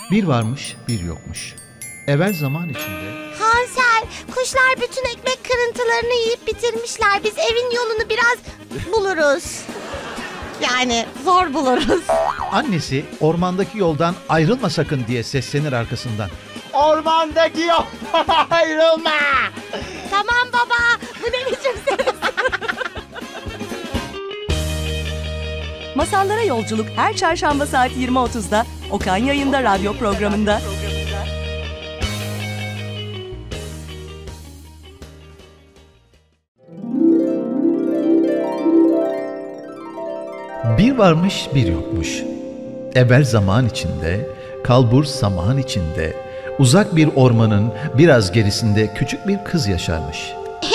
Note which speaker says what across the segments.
Speaker 1: Bir varmış, bir yokmuş. Evvel zaman içinde...
Speaker 2: Hansel, kuşlar bütün ekmek kırıntılarını yiyip bitirmişler. Biz evin yolunu biraz buluruz. Yani zor buluruz.
Speaker 1: Annesi ormandaki yoldan ayrılma sakın diye seslenir arkasından.
Speaker 3: Ormandaki yoldan ayrılma!
Speaker 2: Tamam baba, bu ne biçim ses?
Speaker 4: Masallara yolculuk her çarşamba saat 20.30'da Okan Yayında radyo programında.
Speaker 1: Bir varmış, bir yokmuş. Evvel zaman içinde, kalbur saman içinde, uzak bir ormanın biraz gerisinde küçük bir kız yaşarmış.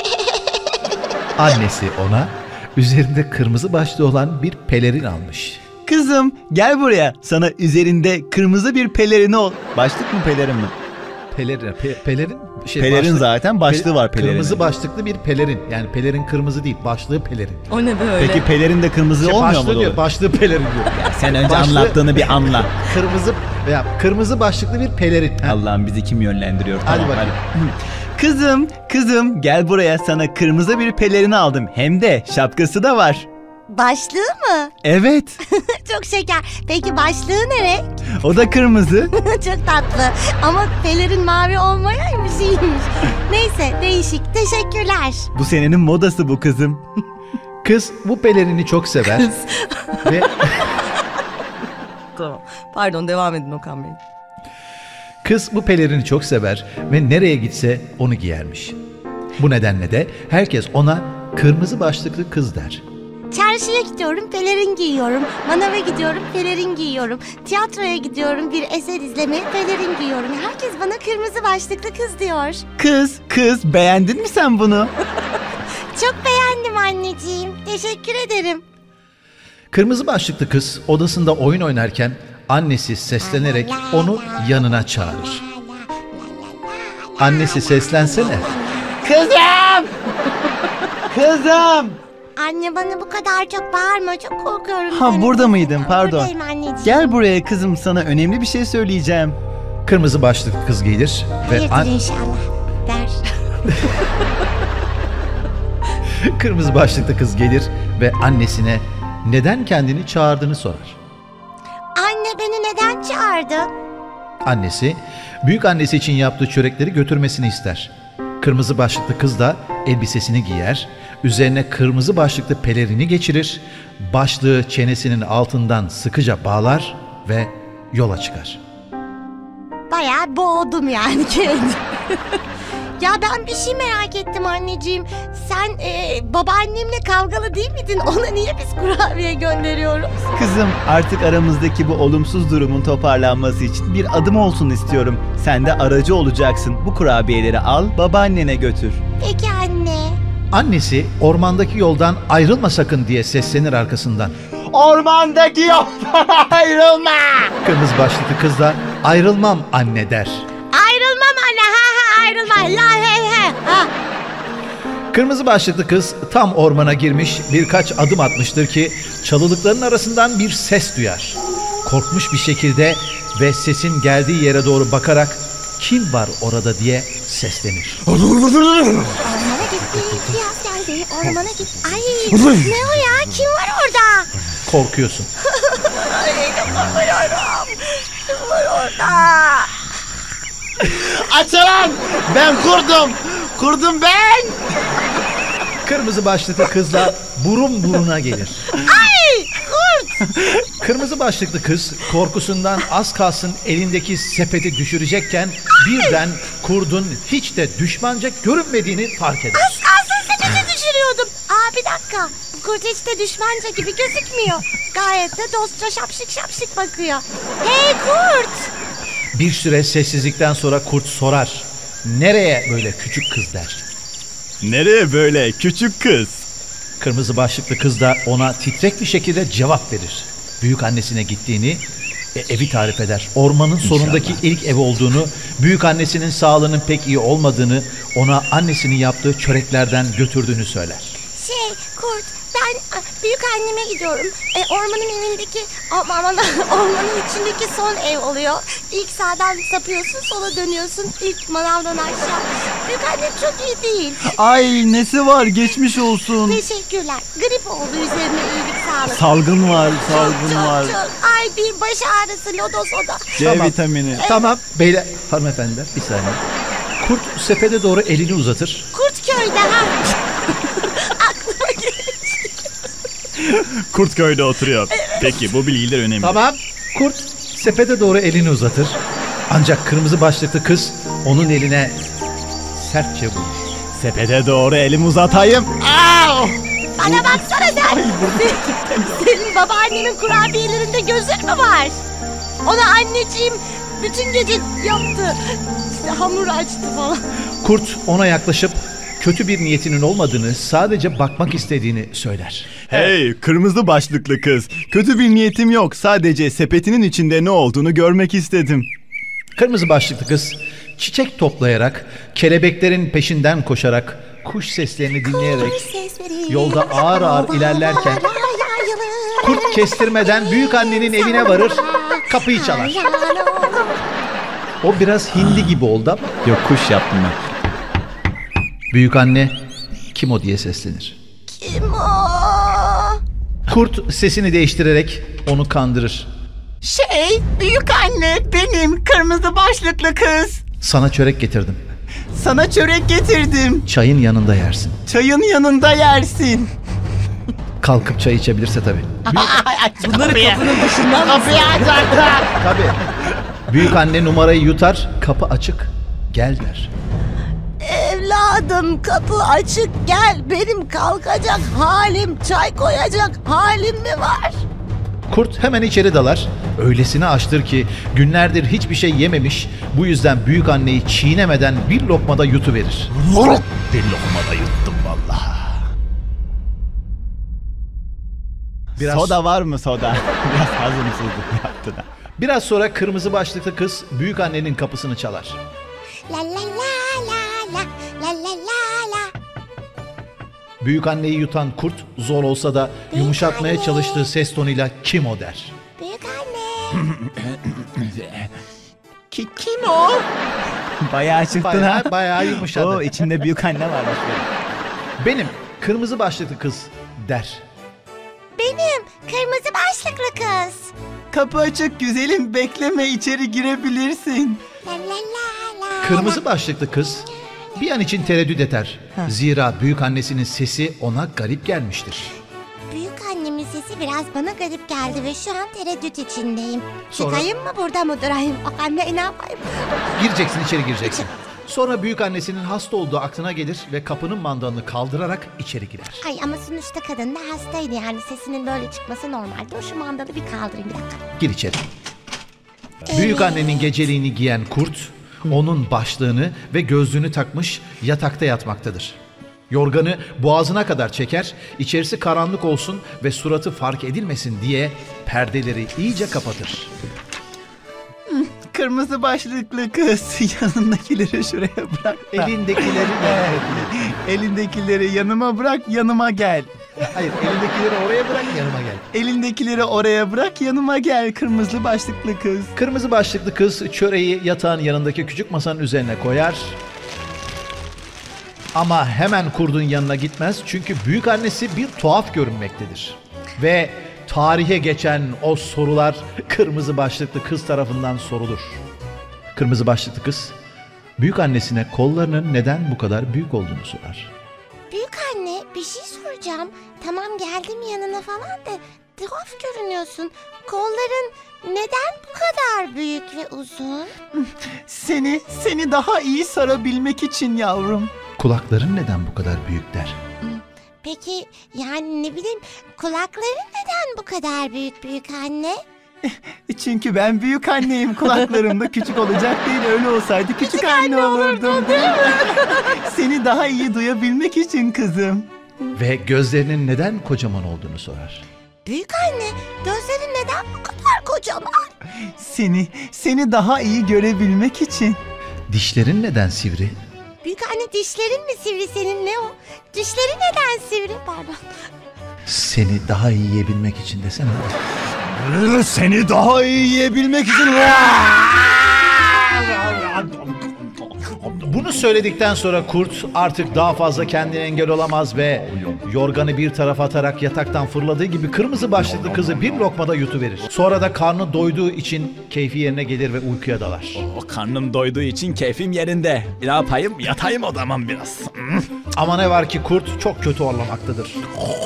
Speaker 1: Annesi ona üzerinde kırmızı başlı olan bir pelerin almış.
Speaker 3: Kızım gel buraya, sana üzerinde kırmızı bir pelerini ol. Başlık mı pelerin mi?
Speaker 1: Pelerin
Speaker 3: Pelerin zaten başlığı var pelerinin.
Speaker 1: Kırmızı başlıklı bir pelerin. Yani pelerin kırmızı değil, başlığı pelerin.
Speaker 4: O ne böyle?
Speaker 3: Peki pelerin de kırmızı olmuyor mu?
Speaker 1: Diyor, başlığı pelerin diyor.
Speaker 3: Ya sen önce anlattığını bir anla.
Speaker 1: Kırmızı başlıklı bir pelerin.
Speaker 3: Allah'ım bizi kim yönlendiriyor?
Speaker 1: Hadi
Speaker 3: Tamam,
Speaker 1: bakalım.
Speaker 3: Kızım gel buraya, sana kırmızı bir pelerini aldım. Hem de şapkası da var.
Speaker 2: Başlığı mı?
Speaker 3: Evet.
Speaker 2: Çok şeker. Peki başlığı ne renk?
Speaker 3: O da kırmızı.
Speaker 2: Çok tatlı. Ama pelerin mavi olmayaymış, iyiymiş. Neyse, değişik. Teşekkürler.
Speaker 3: Bu senenin modası bu kızım.
Speaker 1: Kız bu pelerini çok sever. Ve
Speaker 4: Tamam. Pardon, devam edin Okan Bey.
Speaker 1: kız bu pelerini çok sever ve nereye gitse onu giyermiş. Bu nedenle de herkes ona kırmızı başlıklı kız der.
Speaker 2: Çarşıya gidiyorum, pelerin giyiyorum. Manava gidiyorum, pelerin giyiyorum. Tiyatroya gidiyorum, bir eser izlemeye pelerin giyiyorum. Herkes bana kırmızı başlıklı kız diyor.
Speaker 3: Kız beğendin mi sen bunu?
Speaker 2: Çok beğendim anneciğim. Teşekkür ederim.
Speaker 1: Kırmızı başlıklı kız odasında oyun oynarken annesi seslenerek onu yanına çağırır. Annesi seslensene.
Speaker 3: Kızım!
Speaker 2: Anne bana bu kadar çok bağırma, çok korkuyorum.
Speaker 3: Ha,
Speaker 2: seni.
Speaker 3: burada mıydın? Pardon.
Speaker 2: Buradayım anneciğim.
Speaker 3: Gel buraya kızım, sana önemli bir şey söyleyeceğim.
Speaker 1: Kırmızı başlıklı kız gelir ve
Speaker 2: Hayırdır inşallah der.
Speaker 1: kırmızı başlıklı kız gelir ve annesine neden kendini çağırdığını sorar.
Speaker 2: Anne beni neden çağırdı?
Speaker 1: Annesi büyük annesi için yaptığı çörekleri götürmesini ister. Kırmızı başlıklı kız da elbisesini giyer, üzerine kırmızı başlıklı pelerini geçirir, başlığı çenesinin altından sıkıca bağlar ve yola çıkar.
Speaker 2: Bayağı boğdum yani kendimi. Ya ben bir şey merak ettim anneciğim. Sen babaannemle kavgalı değil miydin? Ona niye biz kurabiye gönderiyoruz?
Speaker 3: Kızım, artık aramızdaki bu olumsuz durumun toparlanması için bir adım olsun istiyorum. Sen de aracı olacaksın. Bu kurabiyeleri al, babaannene götür.
Speaker 2: Peki anne.
Speaker 1: Annesi ormandaki yoldan ayrılma sakın diye seslenir arkasından.
Speaker 3: Ormandaki yoldan ayrılma!
Speaker 1: Kırmızı başlıklı kız da ayrılmam anne der.
Speaker 2: Ayrılmam anne, ayrılma. La he. Ha.
Speaker 1: Kırmızı başlıklı kız tam ormana girmiş birkaç adım atmıştır ki çalılıkların arasından bir ses duyar. Korkmuş bir şekilde ve sesin geldiği yere doğru bakarak kim var orada diye seslenir.
Speaker 2: Ormana gitti, Kıyas geldi. Ormana gitti. Ay ne o ya? Kim var orada?
Speaker 1: Korkuyorsun.
Speaker 2: Kim var orada?
Speaker 3: Açılan! Ben kurdum! Kurdum ben!
Speaker 1: Kırmızı başlıklı kızla burun buruna gelir.
Speaker 2: Ay kurt!
Speaker 1: Kırmızı başlıklı kız korkusundan az kalsın elindeki sepeti düşürecekken birden kurdun hiç de düşmanca görünmediğini fark eder.
Speaker 2: Az kalsın sepeti düşürüyordum. Bir dakika. Bu kurt hiç de düşmanca gibi gözükmüyor. Gayet de dostça şapşık bakıyor. Hey kurt!
Speaker 1: Bir süre sessizlikten sonra kurt sorar. Nereye böyle küçük kız der.
Speaker 3: Nereye böyle küçük kız?
Speaker 1: Kırmızı başlıklı kız da ona titrek bir şekilde cevap verir. Büyük annesine gittiğini, evi tarif eder. Ormanın sonundaki ilk ev olduğunu, büyük annesinin sağlığının pek iyi olmadığını, ona annesinin yaptığı çöreklerden götürdüğünü söyler.
Speaker 2: Kurt, büyük anneme gidiyorum. Ormanın evindeki, ormanın içindeki son ev oluyor. İlk sağdan sapıyorsun, sola dönüyorsun. İlk manavdan aşağı. Büyük annem çok iyi değil.
Speaker 3: Ay nesi var, geçmiş olsun.
Speaker 2: Teşekkürler. Grip oldu, üzerine iyilik sağlık.
Speaker 3: Salgın var, salgın var.
Speaker 2: Çok. Ay bir baş ağrısı, lodos o da.
Speaker 3: C
Speaker 1: Tamam.
Speaker 3: vitamini.
Speaker 1: Tamam beyler, hanımefendiler bir saniye. Kurt sepete doğru elini uzatır.
Speaker 2: Kurtköy'de ha. Aklıma geldi.
Speaker 5: Kurtköy'de oturuyor. Peki bu bilgiler önemli.
Speaker 1: Tamam. Kurt sepete doğru elini uzatır. Ancak kırmızı başlıklı kız onun eline sertçe vurur.
Speaker 3: Sepete doğru elimi uzatayım.
Speaker 2: Bana baksana sen. Senin babaannenin kurabiyelerinde gözün mü var? Ona anneciğim bütün gece yaptı. İşte hamur açtı falan.
Speaker 1: Kurt ona yaklaşıp kötü bir niyetinin olmadığını, sadece bakmak istediğini söyler.
Speaker 3: Hey kırmızı başlıklı kız. Kötü bir niyetim yok. Sadece sepetinin içinde ne olduğunu görmek istedim.
Speaker 1: Kırmızı başlıklı kız çiçek toplayarak, kelebeklerin peşinden koşarak, kuş seslerini dinleyerek yolda ağır ağır ilerlerken kurt kestirmeden büyük annenin evine varır, kapıyı çalar. O biraz hindi gibi oldu ama
Speaker 3: Yok, kuş yaptım ben.
Speaker 1: büyük anne kim o diye seslenir.
Speaker 2: Kim o?
Speaker 1: Kurt sesini değiştirerek onu kandırır.
Speaker 6: Büyük anne, benim kırmızı başlıklı kız.
Speaker 1: Sana çörek getirdim.
Speaker 6: Sana çörek getirdim.
Speaker 1: Çayın yanında yersin.
Speaker 6: Çayın yanında yersin.
Speaker 1: Kalkıp çay içebilirse tabii.
Speaker 6: Bunları kapının dışından kapıyı
Speaker 1: Tabii. Büyük anne numarayı yutar, kapı açık, gel der.
Speaker 2: Evladım kapı açık gel. Benim kalkacak halim, çay koyacak halim mi var?
Speaker 1: Kurt hemen içeri dalar. Öylesine açtır ki günlerdir hiçbir şey yememiş. Bu yüzden büyük anneyi çiğnemeden bir lokmada yutuverir.
Speaker 3: Bir lokmada yuttum vallahi. Soda var mı soda? Biraz hazımsızlık yaptı da.
Speaker 1: Biraz sonra kırmızı başlıklı kız büyük annenin kapısını çalar.
Speaker 2: La la la la la la la la.
Speaker 1: Büyük anneyi yutan kurt zor olsa da yumuşatmaya çalıştığı ses tonuyla kim o der.
Speaker 2: Büyük anne.
Speaker 6: Kim o?
Speaker 3: Bayağı çıktın ha.
Speaker 1: Bayağı yumuşadı.
Speaker 3: Oo, içinde büyük anne varmış.
Speaker 1: Benim kırmızı başlıklı kız der.
Speaker 2: Benim kırmızı başlıklı kız.
Speaker 6: Kapı açık güzelim, bekleme, içeri girebilirsin.
Speaker 2: La la la la.
Speaker 1: Kırmızı başlıklı kız bir an için tereddüt eder. Zira büyük annesinin sesi ona garip gelmiştir.
Speaker 2: Büyük annemin sesi biraz bana garip geldi ve şu an tereddüt içindeyim.
Speaker 1: Sonra-
Speaker 2: Çıkayım mı burada mı durayım? O anne ne yapayım?
Speaker 1: Gireceksin, içeri gireceksin. Sonra büyük annesinin hasta olduğu aklına gelir ve kapının mandalını kaldırarak içeri girer.
Speaker 2: Ay ama sonuçta kadın da hastaydı yani sesinin böyle çıkması normaldi. O şu mandalı bir kaldırayım bir dakika.
Speaker 1: Gir içeri. Büyük annenin geceliğini giyen kurt, onun başlığını ve gözlüğünü takmış yatakta yatmaktadır. Yorganı boğazına kadar çeker, içerisi karanlık olsun ve suratı fark edilmesin diye perdeleri iyice kapatır.
Speaker 6: Kırmızı başlıklı kız, yanındakileri şuraya bırak da.
Speaker 1: Elindekileri de...
Speaker 6: Elindekileri yanıma bırak, yanıma gel.
Speaker 1: Hayır, elindekileri oraya bırak, yanıma gel.
Speaker 6: Elindekileri oraya bırak, yanıma gel kırmızı başlıklı kız.
Speaker 1: Kırmızı başlıklı kız çöreği yatağın yanındaki küçük masanın üzerine koyar. Ama hemen kurdun yanına gitmez çünkü büyük annesi bir tuhaf görünmektedir. Ve tarihe geçen o sorular kırmızı başlıklı kız tarafından sorulur. Kırmızı başlıklı kız büyük annesine kollarının neden bu kadar büyük olduğunu sorar.
Speaker 2: Büyük anne bir şey soracağım. Tamam geldim yanına falan da tuhaf görünüyorsun. Kolların neden bu kadar büyük ve uzun?
Speaker 6: Seni daha iyi sarabilmek için yavrum.
Speaker 1: Kulakların neden bu kadar büyük der.
Speaker 2: Peki yani ne bileyim kulakların neden bu kadar büyük anne?
Speaker 6: Çünkü ben büyük anneyim. Kulaklarım da küçük olacak değil. Öyle olsaydı küçük anne olurdum. Değil mi? Seni daha iyi duyabilmek için kızım.
Speaker 1: Ve gözlerinin neden kocaman olduğunu sorar.
Speaker 2: Büyük anne gözlerin neden bu kadar kocaman?
Speaker 6: Seni daha iyi görebilmek için.
Speaker 1: Dişlerin neden sivri?
Speaker 2: Büyük anne dişlerin mi sivri senin ne o? Dişlerin neden sivri pardon.
Speaker 1: Seni daha iyi yiyebilmek için desene.
Speaker 3: Seni daha iyi yiyebilmek için...
Speaker 1: Bunu söyledikten sonra kurt artık daha fazla kendine engel olamaz ve yorganı bir tarafa atarak yataktan fırladığı gibi kırmızı başlıklı kızı bir lokmada yutuverir. Sonra da karnı doyduğu için keyfi yerine gelir ve uykuya dalar.
Speaker 3: O karnım doyduğu için keyfim yerinde. Ne yapayım? Yatayım o zaman biraz.
Speaker 1: Ama ne var ki kurt çok kötü horlamaktadır.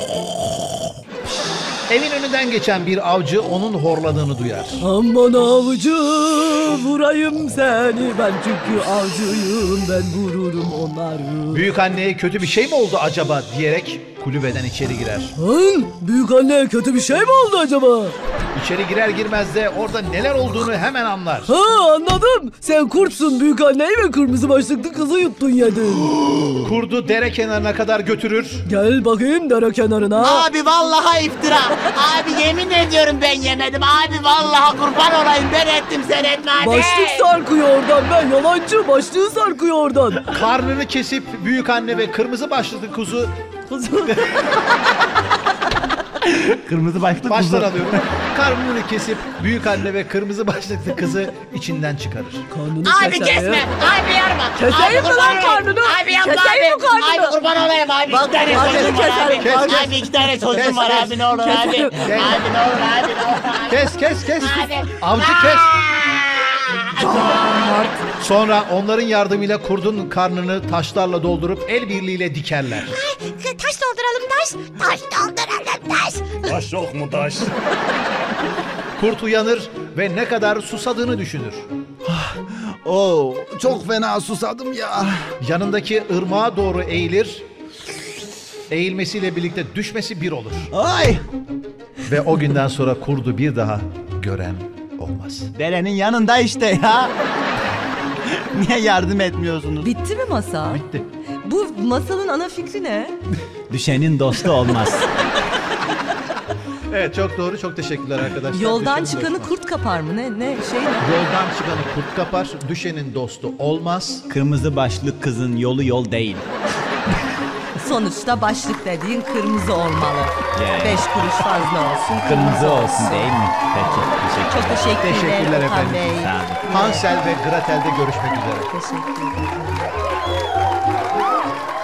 Speaker 1: Evin önünden geçen bir avcı onun horladığını duyar.
Speaker 7: Aman avcı vurayım seni ben çünkü avcıyım ben vururum onları.
Speaker 1: Büyük anneye kötü bir şey mi oldu acaba diyerek kulübeden içeri girer.
Speaker 7: Büyük anne kötü bir şey mi oldu acaba?
Speaker 1: İçeri girer girmez de orada neler olduğunu hemen anlar.
Speaker 7: Anladım. Sen kurtsun büyük anneyi ve kırmızı başlıklı kızı yuttun yedin.
Speaker 1: Kurdu dere kenarına kadar götürür.
Speaker 7: Gel bakayım dere kenarına.
Speaker 6: Abi vallahi iftira. Abi yemin ediyorum ben yemedim. Abi vallahi kurban olayım ben ettim sen etme abi.
Speaker 7: Başlık sarkıyor oradan ben yalancı başlığı sarkıyor oradan.
Speaker 1: Karnını kesip büyük anne ve kırmızı başlıklı kuzu
Speaker 3: Kırmızı başlık
Speaker 1: baştan alıyorum. Karnını kesip büyük anne ve kırmızı başlıklı kızı içinden çıkarır.
Speaker 7: Karnını
Speaker 6: Abi kesme. Abi yarma.
Speaker 7: Keseyim mi
Speaker 6: Abi,
Speaker 7: lan
Speaker 6: kurban
Speaker 7: karnını?
Speaker 6: olayım. Abi yapma
Speaker 7: Keseyim
Speaker 6: abi.
Speaker 7: mi karnını?
Speaker 6: Abi kurban olayım abi.
Speaker 7: Bak,
Speaker 6: İki tane
Speaker 7: karnını
Speaker 6: çocuğum var abi.
Speaker 7: keserim.
Speaker 1: Kes.
Speaker 6: Abi iki tane çocuğum
Speaker 1: Kes,
Speaker 6: var
Speaker 1: kes.
Speaker 6: abi ne olur abi. Abi ne olur abi ne olur abi.
Speaker 1: Kes.
Speaker 6: Abi.
Speaker 1: Avcı kes. Sonra onların yardımıyla kurdun karnını taşlarla doldurup el birliğiyle dikerler.
Speaker 2: Taş dolduralım taş. Taş dolduralım taş.
Speaker 5: Taş yok mu taş?
Speaker 1: Kurt uyanır ve ne kadar susadığını düşünür.
Speaker 3: Oo, çok fena susadım ya.
Speaker 1: Yanındaki ırmağa doğru eğilir. Eğilmesiyle birlikte düşmesi bir olur.
Speaker 3: Ay!
Speaker 1: Ve o günden sonra kurdu bir daha gören olmaz.
Speaker 3: Derenin yanında işte ya. Niye yardım etmiyorsunuz?
Speaker 4: Bitti mi masal?
Speaker 1: Bitti.
Speaker 4: Bu masalın ana fikri ne?
Speaker 3: Düşenin dostu olmaz.
Speaker 1: Evet çok doğru. Çok teşekkürler arkadaşlar.
Speaker 4: Yoldan
Speaker 1: Düşenin
Speaker 4: çıkanı
Speaker 1: dostu.
Speaker 4: kurt kapar mı? Ne şey ne?
Speaker 1: Yoldan çıkanı kurt kapar. Düşenin dostu olmaz.
Speaker 3: Kırmızı başlık kızın yolu yol değil.
Speaker 4: Sonuçta başlık dediğin kırmızı olmalı.
Speaker 3: Yeah.
Speaker 4: 5 kuruş fazla olsun.
Speaker 3: Kırmızı olsun değil mi? Peki, teşekkür
Speaker 4: Çok teşekkürler
Speaker 1: Teşekkürler
Speaker 4: Okan
Speaker 1: efendim.
Speaker 4: Bey.
Speaker 3: Sağ olun.
Speaker 1: Hansel ve Gretel'de görüşmek üzere.
Speaker 4: Teşekkür ederim.